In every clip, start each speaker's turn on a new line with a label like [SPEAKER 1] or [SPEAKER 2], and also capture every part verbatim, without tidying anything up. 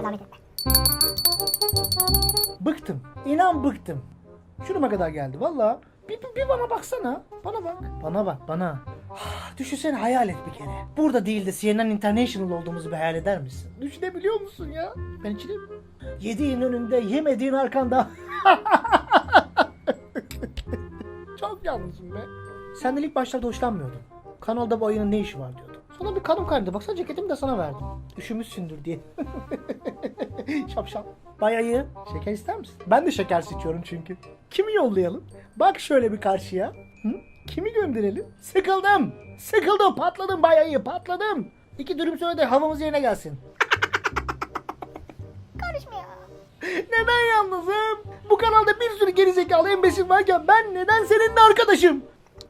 [SPEAKER 1] zahmet etme.
[SPEAKER 2] Bıktım. İnan bıktım. Şuruma kadar geldi valla. Bir, bir, bir bana baksana. Bana bak. Bana bak bana. Ah, düşünsene, hayal et bir kere. Burada değil de C N N International olduğumuzu bir hayal eder misin? Düşünebiliyor musun ya? Ben içine... Yediğin önünde, yemediğin arkanda. Çok yalnızım be. Senden ilk başlarda hoşlanmıyordum. Kanalda bu ayının ne işi var diyordum. Sonra bir kadın kaynadı. Baksana ceketimi de sana verdim. Üşümüşsündür diye. Şapşal. Bayayı. Şeker ister misin? Ben de şeker seçiyorum çünkü. Kimi yollayalım? Bak şöyle bir karşıya. Hı? Kimi gönderelim? Sıkıldım. Sıkıldım. Patladım bayayı. Patladım. İki dürüm söyle de havamız yerine gelsin.
[SPEAKER 1] Karışma ya.
[SPEAKER 2] Neden yalnızım? Bu kanalda bir sürü gerizekalı embesil varken ben neden seninle arkadaşım?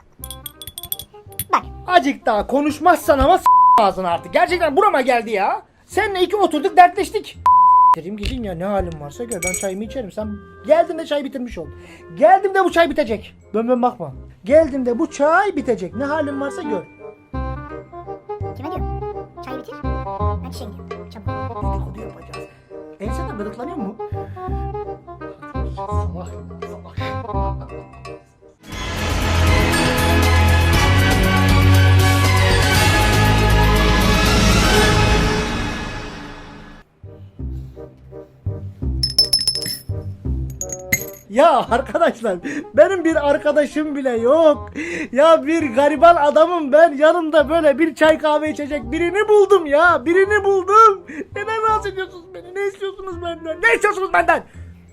[SPEAKER 1] Bak.
[SPEAKER 2] Acık daha konuşmazsan ama s*** ağzını artık. Gerçekten burama geldi ya. Seninle iki oturduk dertleştik. Dedim gidin ya, ne halin varsa gör, ben çayımı içerim. Sen geldiğinde çay bitirmiş ol. Geldiğimde bu çay bitecek. Dön dön bakma. Geldiğimde bu çay bitecek. Ne halin varsa gör.
[SPEAKER 1] Kime diyorum? Çay bitir. Ben çiçeğe gidiyorum. Çabuk.
[SPEAKER 2] Dedikodu yapacağız. Enseden gıdıklanıyor mu? Salak. Salak. Ya arkadaşlar, benim bir arkadaşım bile yok. Ya bir gariban adamım ben. Yanımda böyle bir çay kahve içecek birini buldum ya. Birini buldum. Neden rahatsız ediyorsunuz beni? Ne istiyorsunuz benden? Ne istiyorsunuz benden?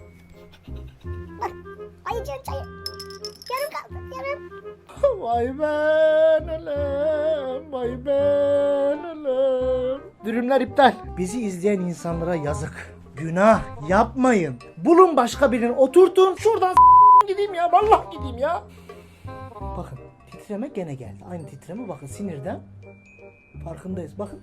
[SPEAKER 1] Bak. Ayıcığın çayı. Yarım kaldı. Yarım.
[SPEAKER 2] Vay ben ölüm. Vay ben ölüm. Dürümler iptal. Bizi izleyen insanlara yazık. Günah yapmayın. Bulun başka birini, oturtun. Şuradan s- gideyim ya. Vallahi gideyim ya. Bakın titreme gene geldi. Aynı titreme, bakın sinirden. Farkındayız bakın.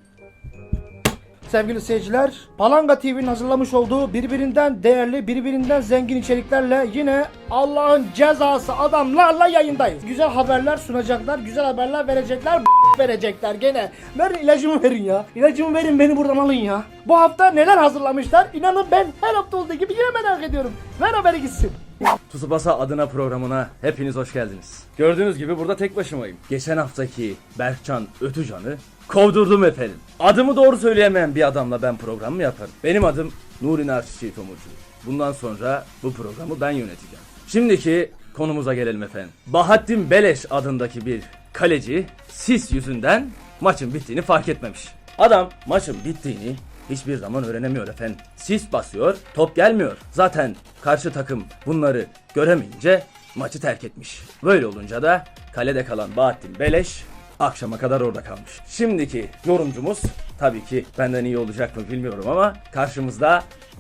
[SPEAKER 2] Sevgili seyirciler, Palanga T V'nin hazırlamış olduğu birbirinden değerli, birbirinden zengin içeriklerle yine Allah'ın cezası adamlarla yayındayız. Güzel haberler sunacaklar, güzel haberler verecekler, verecekler gene. Verin ilacımı, verin ya. İlacımı verin, beni buradan alın ya. Bu hafta neler hazırlamışlar? İnanın ben her hafta olduğu gibi yine merak ediyorum. Ver haberi gitsin.
[SPEAKER 3] Tsubasa adına programına hepiniz hoş geldiniz. Gördüğünüz gibi burada tek başımayım. Geçen haftaki Berkcan Ötücan'ı kovdurdum efendim. Adımı doğru söyleyemeyen bir adamla ben program mı yaparım? Benim adım Nuri Narçiçi Tomurcu. Bundan sonra bu programı ben yöneteceğim. Şimdiki konumuza gelelim efendim. Bahattin Beleş adındaki bir kaleci sis yüzünden maçın bittiğini fark etmemiş. Adam maçın bittiğini hiçbir zaman öğrenemiyor efendim. Sis basıyor, top gelmiyor. Zaten karşı takım bunları göremeyince maçı terk etmiş. Böyle olunca da kalede kalan Bahattin Beleş akşama kadar orada kalmış. Şimdiki yorumcumuz tabii ki benden iyi olacak mı bilmiyorum ama karşımızda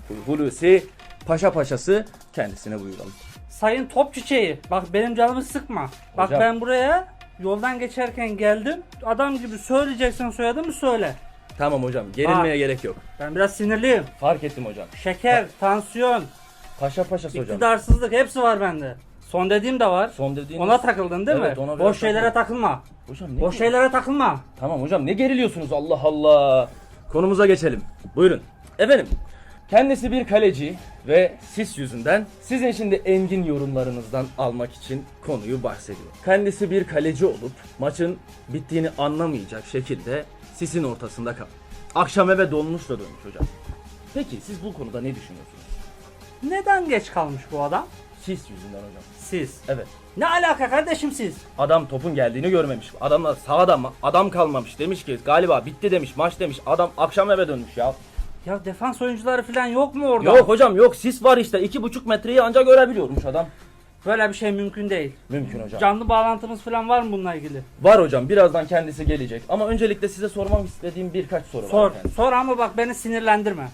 [SPEAKER 3] Hulusi Paşa Paşası, kendisine buyuralım.
[SPEAKER 4] Sayın top çiçeği, bak benim canımı sıkma. Bak
[SPEAKER 3] Hocam.
[SPEAKER 4] ben buraya yoldan geçerken geldim. Adam gibi söyleyeceksen soyadımı söyle.
[SPEAKER 3] Tamam hocam, gerilmeye
[SPEAKER 4] Aa.
[SPEAKER 3] gerek yok.
[SPEAKER 4] Ben biraz sinirliyim.
[SPEAKER 3] Fark ettim hocam.
[SPEAKER 4] Şeker, tansiyon,
[SPEAKER 3] Paşa Paşası hocam.
[SPEAKER 4] iktidarsızlık hepsi var bende. Son dediğim de var.
[SPEAKER 3] Son dediğiniz...
[SPEAKER 4] Ona takıldın değil
[SPEAKER 3] Evet,
[SPEAKER 4] mi?
[SPEAKER 3] ona biraz
[SPEAKER 4] Boş şeylere takılma.
[SPEAKER 3] Hocam ne
[SPEAKER 4] Boş şeylere takılma.
[SPEAKER 3] Tamam hocam, ne geriliyorsunuz Allah Allah. Konumuza geçelim. Buyurun. Efendim, kendisi bir kaleci ve sis yüzünden sizin şimdi engin yorumlarınızdan almak için konuyu bahsediyor. Kendisi bir kaleci olup maçın bittiğini anlamayacak şekilde sisin ortasında kal. Akşam eve dolmuşla dönmüş hocam. Peki siz bu konuda ne düşünüyorsunuz?
[SPEAKER 4] Neden geç kalmış bu adam?
[SPEAKER 3] Sis yüzünden hocam.
[SPEAKER 4] Siz.
[SPEAKER 3] Evet.
[SPEAKER 4] Ne alaka kardeşim siz?
[SPEAKER 3] Adam topun geldiğini görmemiş. Adamlar sahada ma- adam kalmamış. Demiş ki galiba bitti demiş, maç demiş. Adam akşam eve dönmüş ya.
[SPEAKER 4] Ya defans oyuncuları falan yok mu orada?
[SPEAKER 3] Yok hocam yok, sis var işte. iki buçuk metreyi ancak görebiliyormuş adam.
[SPEAKER 4] Böyle bir şey mümkün değil.
[SPEAKER 3] Mümkün hocam.
[SPEAKER 4] Canlı bağlantımız falan var mı bununla ilgili?
[SPEAKER 3] Var hocam, birazdan kendisi gelecek. Ama öncelikle size sormam istediğim birkaç soru
[SPEAKER 4] Sor.
[SPEAKER 3] var efendim.
[SPEAKER 4] Sor ama bak beni sinirlendirme.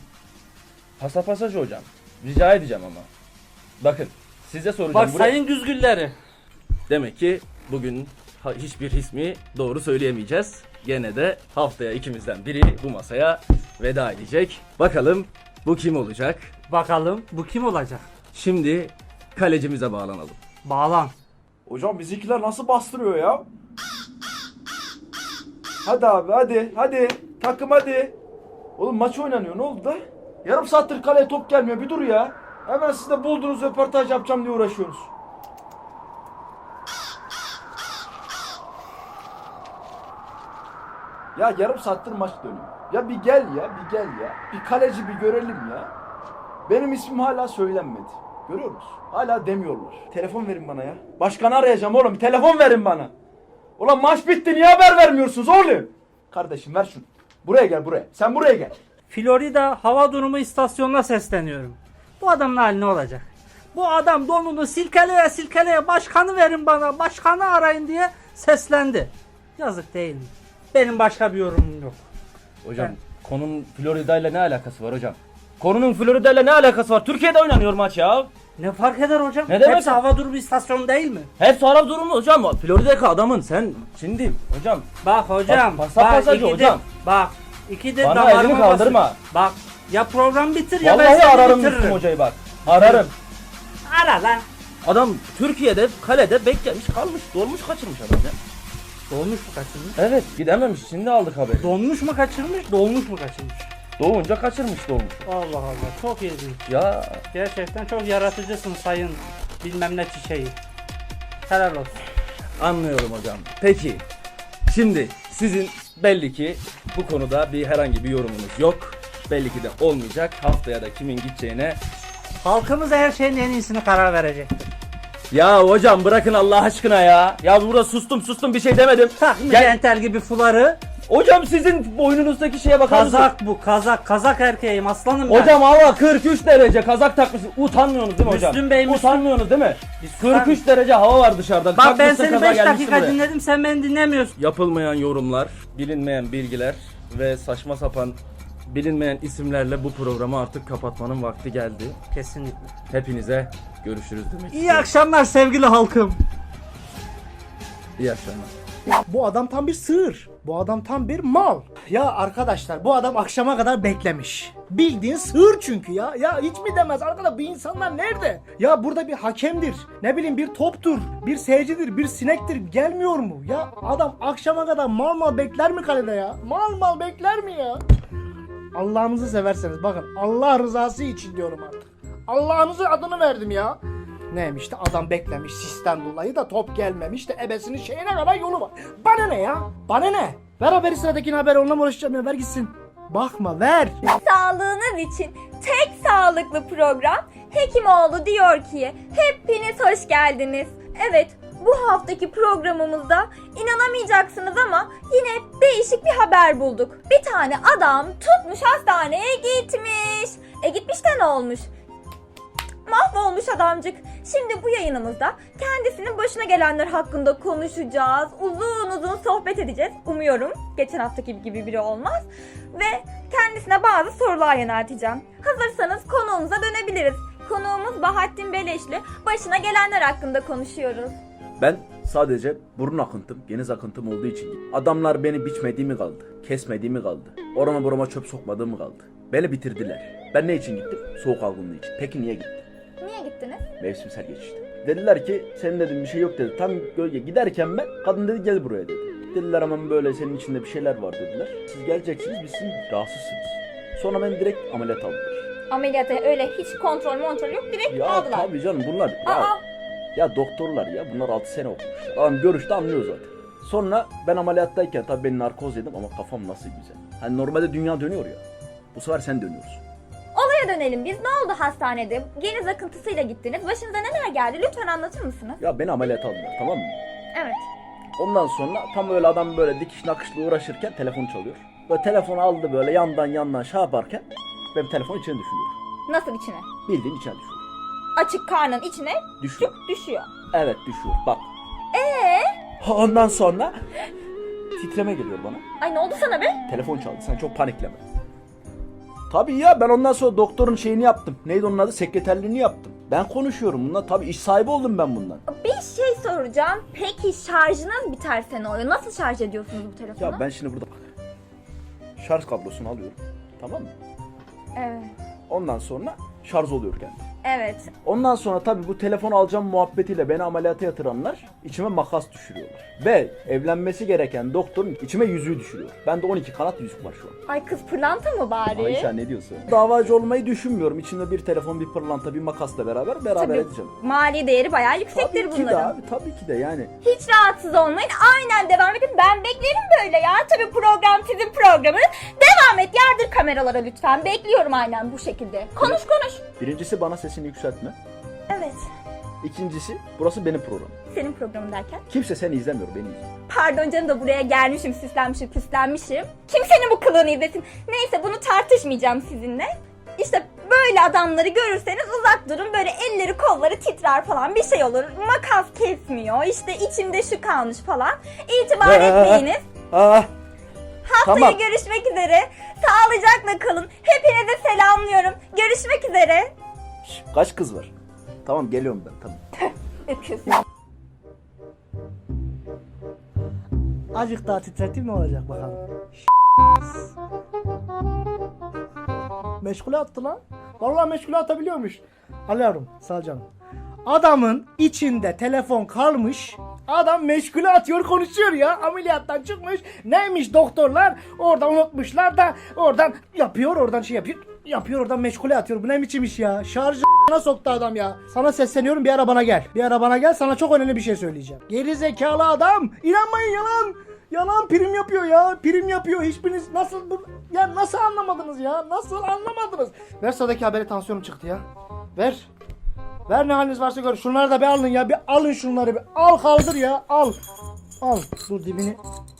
[SPEAKER 3] Pasapasaj hocam. Rica edeceğim ama. Bakın size soracağım.
[SPEAKER 4] Bak
[SPEAKER 3] Buraya-
[SPEAKER 4] sayın güzgülleri.
[SPEAKER 3] Demek ki bugün ha- hiçbir ismi doğru söyleyemeyeceğiz. Gene de haftaya ikimizden biri bu masaya veda edecek. Bakalım bu kim olacak?
[SPEAKER 4] Bakalım bu kim olacak?
[SPEAKER 3] Şimdi kalecimize bağlanalım.
[SPEAKER 4] Bağlan.
[SPEAKER 5] Hocam bizimkiler nasıl bastırıyor ya? Hadi abi hadi hadi. Takım hadi. Oğlum maç oynanıyor, ne oldu da? Yarım saattir kaleye top gelmiyor. Bir dur ya. Hemen siz de buldunuz röportaj yapacağım diye uğraşıyorsunuz. Ya yarım saattir maç dönüyor. Ya bir gel ya, bir gel ya. Bir kaleci bir görelim ya. Benim ismim hala söylenmedi. Görüyor musun? Hala demiyorlar. Telefon verin bana ya. Başkanı arayacağım oğlum. Bir telefon verin bana. Ulan maç bitti, niye haber vermiyorsunuz oğlum? Kardeşim ver şunu. Buraya gel buraya. Sen buraya gel.
[SPEAKER 4] Florida hava durumu istasyonuna sesleniyorum. Bu adamın hali ne olacak? Bu adam donunu silkeleye silkeleye başkanı verin bana, başkanı arayın diye seslendi. Yazık değil mi? Benim başka bir yorumum yok.
[SPEAKER 3] Hocam
[SPEAKER 4] Ben-
[SPEAKER 3] konunun Florida ile ne alakası var hocam? Konunun Florida ile ne alakası var? Türkiye'de oynanıyor maç ya.
[SPEAKER 4] Ne fark eder hocam?
[SPEAKER 3] Ne demek?
[SPEAKER 4] Hepsi hava durumu istasyonu değil mi?
[SPEAKER 3] Hep sonra durumu hocam. Florida'daki adamın sen şimdi hocam.
[SPEAKER 4] Bak hocam,
[SPEAKER 3] Bak,
[SPEAKER 4] bak,
[SPEAKER 3] pasap pasajı
[SPEAKER 4] ikidir,
[SPEAKER 3] hocam.
[SPEAKER 4] bak, ikidir
[SPEAKER 3] Bana
[SPEAKER 4] damarıma
[SPEAKER 3] elini kaldırma.
[SPEAKER 4] basın. Bak, ya program bitir ya ben
[SPEAKER 3] Vallahi
[SPEAKER 4] seni
[SPEAKER 3] ararım
[SPEAKER 4] bitiririm.
[SPEAKER 3] Müslüm hocayı bak. Ararım.
[SPEAKER 4] Ara lan.
[SPEAKER 3] Adam Türkiye'de kalede beklemiş kalmış. Dolmuş kaçırmış adam ya.
[SPEAKER 4] Dolmuş mu kaçırmış?
[SPEAKER 3] Evet gidememiş. Şimdi aldık haberi.
[SPEAKER 4] Donmuş mu kaçırmış, dolmuş mu kaçırmış?
[SPEAKER 3] Doğunca kaçırmış dolmuş.
[SPEAKER 4] Allah Allah, çok ilginç.
[SPEAKER 3] Ya
[SPEAKER 4] Gerçekten çok yaratıcısın sayın bilmem ne çiçeği. Helal olsun.
[SPEAKER 3] anlıyorum hocam. Peki şimdi sizin belli ki bu konuda bir herhangi bir yorumunuz yok. Belli ki de olmayacak. Haftaya da kimin gideceğine.
[SPEAKER 4] Halkımız her şeyin en iyisini karar verecektir.
[SPEAKER 3] Ya hocam bırakın Allah aşkına ya. Ya burada sustum sustum bir şey demedim.
[SPEAKER 4] Takmış
[SPEAKER 3] Gel.
[SPEAKER 4] entel gibi fuları.
[SPEAKER 3] Hocam sizin boynunuzdaki şeye bakar mısın?
[SPEAKER 4] Kazak bu, kazak, kazak erkeğim aslanım ben.
[SPEAKER 3] Hocam hava kırk üç derece kazak takmışsınız. Utanmıyorsunuz değil mi hocam?
[SPEAKER 4] Müslüm Bey, Müslüm-
[SPEAKER 3] Utanmıyorsunuz değil mi?
[SPEAKER 4] Bir susar
[SPEAKER 3] kırk üç derece hava var dışarıda.
[SPEAKER 4] Bak ben
[SPEAKER 3] Takmışsın
[SPEAKER 4] seni
[SPEAKER 3] kazağı
[SPEAKER 4] beş
[SPEAKER 3] gelmişsin
[SPEAKER 4] dakika
[SPEAKER 3] buraya.
[SPEAKER 4] dinledim, sen beni dinlemiyorsun.
[SPEAKER 3] Yapılmayan yorumlar, bilinmeyen bilgiler ve saçma sapan bilinmeyen isimlerle bu programı artık kapatmanın vakti geldi.
[SPEAKER 4] Kesinlikle.
[SPEAKER 3] Hepinize görüşürüz demek
[SPEAKER 4] İyi
[SPEAKER 3] istiyorum.
[SPEAKER 4] akşamlar sevgili halkım.
[SPEAKER 3] İyi akşamlar.
[SPEAKER 2] Bu adam tam bir sığır. Bu adam tam bir mal. Ya arkadaşlar bu adam akşama kadar beklemiş. Bildiğin sığır çünkü ya. Ya hiç mi demez arkadaş, bu insanlar nerede? Ya burada bir hakemdir. Ne bileyim bir toptur. Bir seyircidir. Bir sinektir. Gelmiyor mu? Ya adam akşama kadar mal mal bekler mi kalede ya? Mal mal bekler mi ya? Allah'ınızı severseniz bakın, Allah rızası için diyorum artık. Allah'ınızın adını verdim ya. Neymiş de adam beklemiş sistem dolayı da top gelmemiş de ebesinin şeyine kadar yolu var. Bana ne ya? Bana ne? Ver haberi, sıradakini haber, onunla mı uğraşacağım ya, ver gitsin. Bakma ver.
[SPEAKER 6] Sağlığınız için tek sağlıklı program Hekimoğlu diyor ki hepiniz hoş geldiniz. Evet, bu haftaki programımızda inanamayacaksınız ama yine değişik bir haber bulduk. Bir tane adam tutmuş hastaneye gitmiş. E gitmiş de ne olmuş? Mahvolmuş adamcık. Şimdi bu yayınımızda kendisinin başına gelenler hakkında konuşacağız. Uzun uzun sohbet edeceğiz. Umuyorum geçen haftaki gibi biri olmaz. Ve kendisine bazı sorular yönelteceğim. Hazırsanız konuğumuza dönebiliriz. Konuğumuz Bahattin Beleşli. Başına gelenler hakkında konuşuyoruz.
[SPEAKER 5] Ben sadece burun akıntım, geniz akıntım olduğu için gittim. Adamlar beni biçmediğimi kaldı, kesmediğimi kaldı. Orama burama çöp sokmadığımı kaldı. Beni bitirdiler. Ben ne için gittim? Soğuk algınlığı için. Peki niye gittim?
[SPEAKER 6] Niye gittiniz?
[SPEAKER 5] Mevsimsel geçişti. Dediler ki senin dedim bir şey yok dedi. Tam gölge giderken ben kadın dedi gel buraya dedi. Dediler ama böyle senin içinde bir şeyler var dediler. Siz geleceksiniz biz sizin rahatsızsınız. Sonra beni direkt ameliyat aldılar.
[SPEAKER 6] Ameliyata öyle hiç kontrol kontrol yok, direkt
[SPEAKER 5] Ya
[SPEAKER 6] aldılar.
[SPEAKER 5] tabii canım bunlar ya,
[SPEAKER 6] Aa,
[SPEAKER 5] ya doktorlar ya bunlar altı sene okumuşlar. Adam görüşte anlıyor zaten. Sonra ben ameliyattayken tabii ben narkoz yedim ama kafam nasıl güzel. Hani normalde dünya dönüyor ya. Bu sefer sen dönüyorsun.
[SPEAKER 6] olaya dönelim biz. Ne oldu hastanede? Geniz akıntısıyla gittiniz. Başınıza neler geldi? Lütfen anlatır mısınız?
[SPEAKER 5] Ya beni ameliyat aldılar tamam mı?
[SPEAKER 6] Evet.
[SPEAKER 5] Ondan sonra tam öyle adam böyle dikiş nakışla uğraşırken telefon çalıyor. Böyle telefonu aldı böyle yandan yandan şey yaparken benim telefon içine düşüyor.
[SPEAKER 6] Nasıl içine?
[SPEAKER 5] Bildiğin içine düşüyor.
[SPEAKER 6] Açık karnın içine
[SPEAKER 5] Düşüyor.
[SPEAKER 6] düşüyor.
[SPEAKER 5] Evet düşüyor bak.
[SPEAKER 6] Ee?
[SPEAKER 5] Ondan sonra titreme geliyor bana.
[SPEAKER 6] Ay ne oldu sana be?
[SPEAKER 5] Telefon çaldı sen çok panikleme. Tabii ya ben ondan sonra doktorun şeyini yaptım. Neydi onun adı? Sekreterliğini yaptım. Ben konuşuyorum bundan. Tabii iş sahibi oldum ben bundan.
[SPEAKER 6] Bir şey soracağım. Peki şarjınız biterse ne oluyor? Nasıl şarj ediyorsunuz bu telefonu?
[SPEAKER 5] Ya ben şimdi burada bak. Şarj kablosunu alıyorum. Tamam mı?
[SPEAKER 6] Evet.
[SPEAKER 5] Ondan sonra şarj oluyor kendi.
[SPEAKER 6] Evet.
[SPEAKER 5] Ondan sonra tabii bu telefon alacağım muhabbetiyle beni ameliyata yatıranlar içime makas düşürüyorlar. Ve evlenmesi gereken doktorun içime yüzüğü düşürüyor. Bende on iki kanat yüzük var şu an.
[SPEAKER 6] Ay kız pırlanta mı bari?
[SPEAKER 5] Ayşe ne diyorsun? Davacı olmayı düşünmüyorum. İçimde bir telefon, bir pırlanta, bir makasla beraber beraber
[SPEAKER 6] Tabii,
[SPEAKER 5] edeceğim.
[SPEAKER 6] mali değeri bayağı yüksektir
[SPEAKER 5] Tabii ki de
[SPEAKER 6] bunların.
[SPEAKER 5] abi, tabii ki de yani.
[SPEAKER 6] Hiç rahatsız olmayın. Aynen devam edin. Ben beklerim böyle ya. Tabii program sizin programınız. Devam et. Yardır kameralara lütfen. Bekliyorum aynen bu şekilde. Konuş konuş.
[SPEAKER 5] Birincisi bana sesini yükseltme.
[SPEAKER 6] Evet.
[SPEAKER 5] İkincisi burası benim programım.
[SPEAKER 6] Senin programın derken?
[SPEAKER 5] Kimse seni izlemiyor, beni izliyor.
[SPEAKER 6] Pardon canım da buraya gelmişim, süslenmişim, püslenmişim. Kimsenin bu kılığını izlesin. Neyse bunu tartışmayacağım sizinle. İşte böyle adamları görürseniz uzak durun. Böyle elleri kolları titrer falan bir şey olur. Makas kesmiyor. İşte içimde şu kalmış falan. İtibar etmeyiniz.
[SPEAKER 5] Ah,
[SPEAKER 6] Haftaya
[SPEAKER 5] tamam.
[SPEAKER 6] görüşmek üzere. Sağlıcakla kalın. Hepinize selamlıyorum. Görüşmek üzere.
[SPEAKER 5] Şş, kaç kız var? Tamam geliyorum ben, tamam.
[SPEAKER 6] Öpüyorsun.
[SPEAKER 2] Azıcık daha titreteyim ne olacak bakalım. Meşgule attı lan. Vallahi meşgule atabiliyormuş. Alıyorum sağ ol canım. Adamın içinde telefon kalmış. Adam meşgule atıyor konuşuyor ya. Ameliyattan çıkmış. Neymiş doktorlar oradan unutmuşlar da oradan yapıyor oradan şey yapıyor. Yapıyor oradan meşgule atıyor. Bu ne biçim iş ya? Şarjı soktu adam ya. Sana sesleniyorum bir ara bana gel. Bir ara bana gel sana çok önemli bir şey söyleyeceğim. Geri zekalı adam. İnanmayın yalan. Yalan prim yapıyor ya. Prim yapıyor. Hiçbiriniz nasıl bu ya nasıl anlamadınız ya? Nasıl anlamadınız? Ver sıradaki haberi tansiyonum çıktı ya. Ver. Ver ne haliniz varsa gör. Şunları da bir alın ya. Bir alın şunları bir. Al kaldır ya. Al. Al. Dur dibini.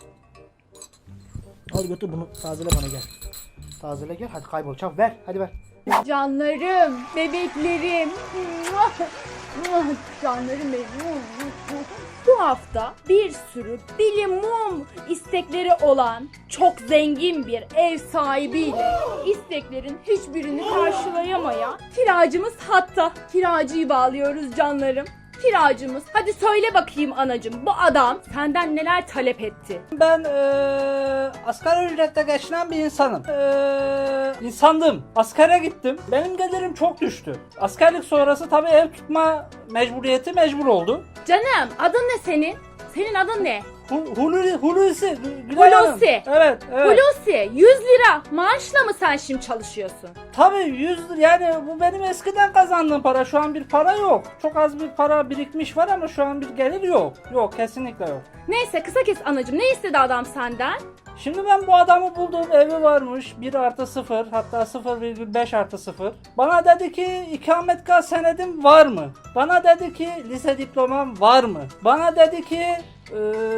[SPEAKER 2] Al götür bunu. Tazele bana gel. Tazele gel. Hadi kaybol. Çabuk ver. Hadi ver.
[SPEAKER 7] Canlarım, bebeklerim. Canlarım benim. Bu hafta bir sürü bilimum istekleri olan çok zengin bir ev sahibiyle isteklerin hiçbirini karşılayamayan kiracımız hatta. Kiracıyı bağlıyoruz canlarım. Kiracımız. Hadi söyle bakayım anacığım, bu adam senden neler talep etti?
[SPEAKER 4] Ben eee asgari ücretle geçinen bir insanım. Eee insandım. Askere gittim. Benim gelirim çok düştü. Askerlik sonrası tabii ev tutma mecburiyeti mecbur oldu.
[SPEAKER 7] Canım, adın ne senin? Senin adın ne?
[SPEAKER 4] Hu- Hulusi, Hulusi, Gülay Hanım.
[SPEAKER 7] Hulusi.
[SPEAKER 4] Evet, evet.
[SPEAKER 7] Hulusi, yüz lira maaşla mı sen şimdi çalışıyorsun?
[SPEAKER 4] Tabii yüz lira, yani bu benim eskiden kazandığım para. Şu an bir para yok. Çok az bir para birikmiş var ama şu an bir gelir yok. Yok, kesinlikle yok.
[SPEAKER 7] Neyse kısa kes anacığım, ne istedi adam senden?
[SPEAKER 4] Şimdi ben bu adamı buldum, evi varmış bir artı sıfır, hatta sıfır virgül beş artı sıfır. Bana dedi ki ikametgah senedim var mı? Bana dedi ki lise diplomam var mı? Bana dedi ki eee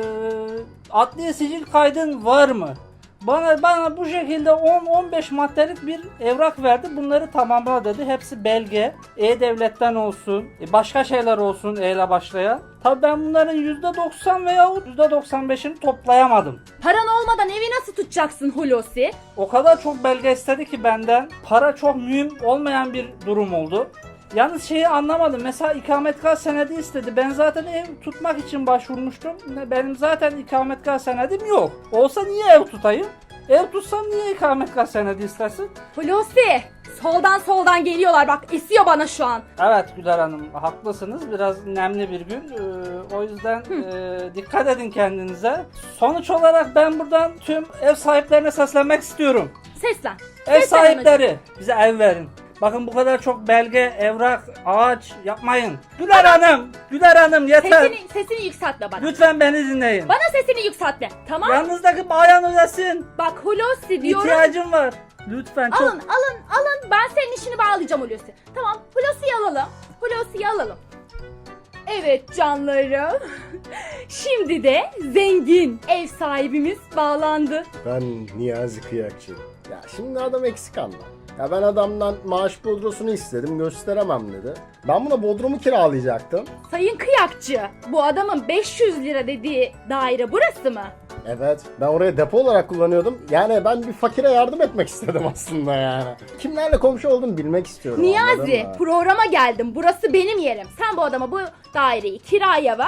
[SPEAKER 4] adli sicil kaydın var mı? Bana bana bu şekilde on on beş maddelik bir evrak verdi. Bunları tamamla dedi. Hepsi belge. E-Devlet'ten olsun, başka şeyler olsun E ile başlayan. Tabii ben bunların yüzde doksan veyahut yüzde doksan beşini toplayamadım.
[SPEAKER 7] Paran olmadan evi nasıl tutacaksın Hulusi?
[SPEAKER 4] O kadar çok belge istedi ki benden. Para çok mühim olmayan bir durum oldu. Yalnız şeyi anlamadım. Mesela ikametgah senedi istedi. Ben zaten ev tutmak için başvurmuştum. Benim zaten ikametgah senedim yok. Olsa niye ev tutayım? Ev tutsam niye ikametgah senedi istersin?
[SPEAKER 7] Hulusi, soldan soldan geliyorlar bak, esiyor bana şu an.
[SPEAKER 4] Evet Güler Hanım, haklısınız. Biraz nemli bir gün. Ee, o yüzden e, dikkat edin kendinize. Sonuç olarak ben buradan tüm ev sahiplerine seslenmek istiyorum.
[SPEAKER 7] Seslen.
[SPEAKER 4] Ev
[SPEAKER 7] Seslen
[SPEAKER 4] sahipleri bize ev verin. Bakın bu kadar çok belge, evrak, ağaç yapmayın. Güler Hanım, Güler Hanım yeter.
[SPEAKER 7] Sesini, sesini yükseltme bana.
[SPEAKER 4] Lütfen beni dinleyin.
[SPEAKER 7] Bana sesini yükseltme, tamam?
[SPEAKER 4] Yanınızdaki bayan ödesin.
[SPEAKER 7] Bak Hulusi diyorum.
[SPEAKER 4] İhtiyacım var. Lütfen çok.
[SPEAKER 7] Alın, alın, alın. Ben senin işini bağlayacağım Hulusi. Tamam, Hulusi'yi alalım. Hulusi'yi alalım. Evet canlarım. Şimdi de zengin ev sahibimiz bağlandı.
[SPEAKER 8] Ben Niyazi Kıyakçı. Ya şimdi adam eksik anda. Ya ben adamdan maaş bodrosunu istedim, gösteremem dedi. Ben buna bodrumu kiralayacaktım.
[SPEAKER 7] Sayın Kıyakçı, bu adamın beş yüz lira dediği daire burası mı?
[SPEAKER 8] Evet, ben oraya depo olarak kullanıyordum. Yani ben bir fakire yardım etmek istedim aslında yani. Kimlerle komşu olduğumu bilmek istiyorum.
[SPEAKER 7] Niyazi,
[SPEAKER 8] anladın mı?
[SPEAKER 7] programa geldim. Burası benim yerim. Sen bu adama bu daireyi kiraya ver.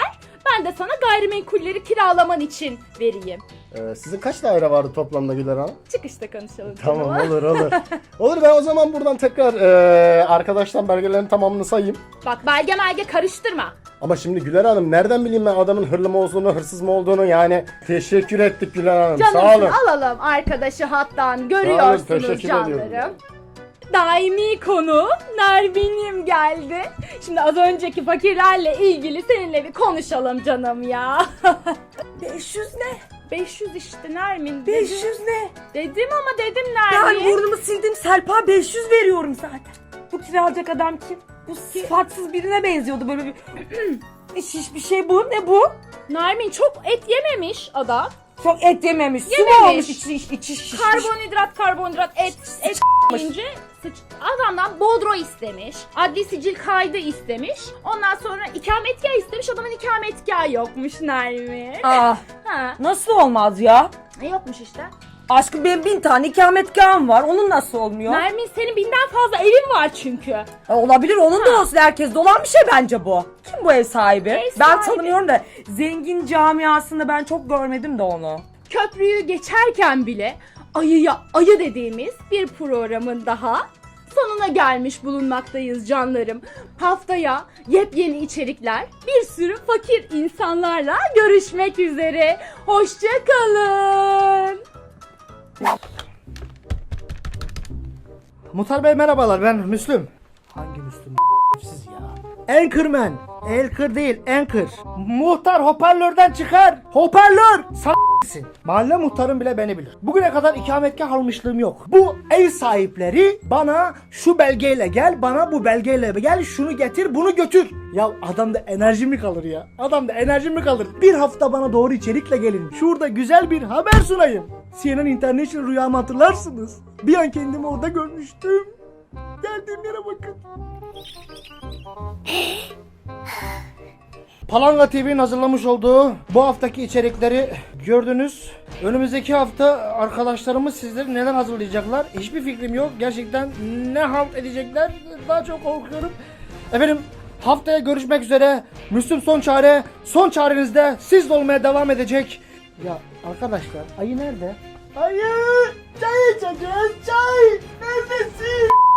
[SPEAKER 7] Ben de sana gayrimenkulleri kiralaman için vereyim.
[SPEAKER 8] Ee, sizin kaç daire vardı toplamda Güler Hanım?
[SPEAKER 7] Çıkışta konuşalım.
[SPEAKER 8] Tamam
[SPEAKER 7] canım.
[SPEAKER 8] olur olur. Olur ben o zaman buradan tekrar e, arkadaştan belgelerin tamamını sayayım.
[SPEAKER 7] Bak belge melge karıştırma.
[SPEAKER 8] Ama şimdi Güler Hanım nereden bileyim ben adamın hırlı mı olduğunu, hırsız mı olduğunu yani teşekkür ettik Güler Hanım. Sağ
[SPEAKER 7] Canımsın
[SPEAKER 8] olun.
[SPEAKER 7] alalım arkadaşı hattan.
[SPEAKER 8] teşekkür
[SPEAKER 7] Görüyorsunuz
[SPEAKER 8] ediyorum.
[SPEAKER 7] canlarım. Daimi konu Nermin'im geldi. Şimdi az önceki fakirlerle ilgili seninle bir konuşalım canım ya.
[SPEAKER 9] beş yüz ne?
[SPEAKER 7] beş yüz işte Nermin.
[SPEAKER 9] beş
[SPEAKER 7] dedim.
[SPEAKER 9] yüz ne?
[SPEAKER 7] Dedim ama dedim
[SPEAKER 9] Ben
[SPEAKER 7] Nermin.
[SPEAKER 9] burnumu sildim Serpa beş yüz veriyorum zaten. Bu kiralayacak adam kim? Bu sıfatsız birine benziyordu böyle bir şiş bir şey bu. Ne bu?
[SPEAKER 7] Nermin çok et yememiş adam.
[SPEAKER 9] Çok et yememiş. Su mu
[SPEAKER 7] Yememiş.
[SPEAKER 9] olmuş içi, içi, içi şişmiş.
[SPEAKER 7] Karbonhidrat, karbonhidrat, et, et yiyince sıç. Adamdan bodro istemiş. Adli sicil kaydı istemiş. Ondan sonra ikametgah istemiş. Adamın ikametgahı yokmuş Nermin.
[SPEAKER 9] Ah,
[SPEAKER 7] Ha.
[SPEAKER 9] nasıl olmaz ya?
[SPEAKER 7] Ne yokmuş işte?
[SPEAKER 9] Aşkım benim bin tane ikametgahım var. Onun nasıl olmuyor?
[SPEAKER 7] Nermin senin binden fazla evin var çünkü.
[SPEAKER 9] Ha, olabilir onun da olsun. Herkes dolan bir şey bence bu. Kim bu ev sahibi?
[SPEAKER 7] Ev
[SPEAKER 9] Ben
[SPEAKER 7] sahibi.
[SPEAKER 9] tanımıyorum da zengin camiasında ben çok görmedim de onu.
[SPEAKER 7] Köprüyü geçerken bile ayıya ayı dediğimiz bir programın daha sonuna gelmiş bulunmaktayız canlarım. Haftaya yepyeni içerikler, bir sürü fakir insanlarla görüşmek üzere. Hoşça kalın.
[SPEAKER 2] Muhtar Bey merhabalar, ben Müslüm. Hangi Müslüm siz ya? Anchorman. Anchor değil, Anchor. Muhtar hoparlörden çıkar. Hoparlör. S***sin. Mahalle muhtarım bile beni bilir. Bugüne kadar ikametgah almışlığım yok. Bu ev sahipleri bana şu belgeyle gel, bana bu belgeyle gel, şunu getir, bunu götür. Ya adamda enerji mi kalır ya? Adamda enerji mi kalır? Bir hafta bana doğru içerikle gelin. Şurada güzel bir haber sunayım. C N N International rüyamı hatırlarsınız. Bir an kendimi orada görmüştüm. Geldiğim yere bakın. Palanga T V'nin hazırlamış olduğu bu haftaki içerikleri gördünüz. Önümüzdeki hafta arkadaşlarımız sizleri neler hazırlayacaklar? Hiçbir fikrim yok. Gerçekten ne halt edecekler? Daha çok korkuyorum. Efendim haftaya görüşmek üzere. Müslüm Son Çare. Son çarenizde siz de olmaya devam edecek. Ya arkadaşlar ayı nerede? Ayı! Çay içeceğiz çay! Neredesin?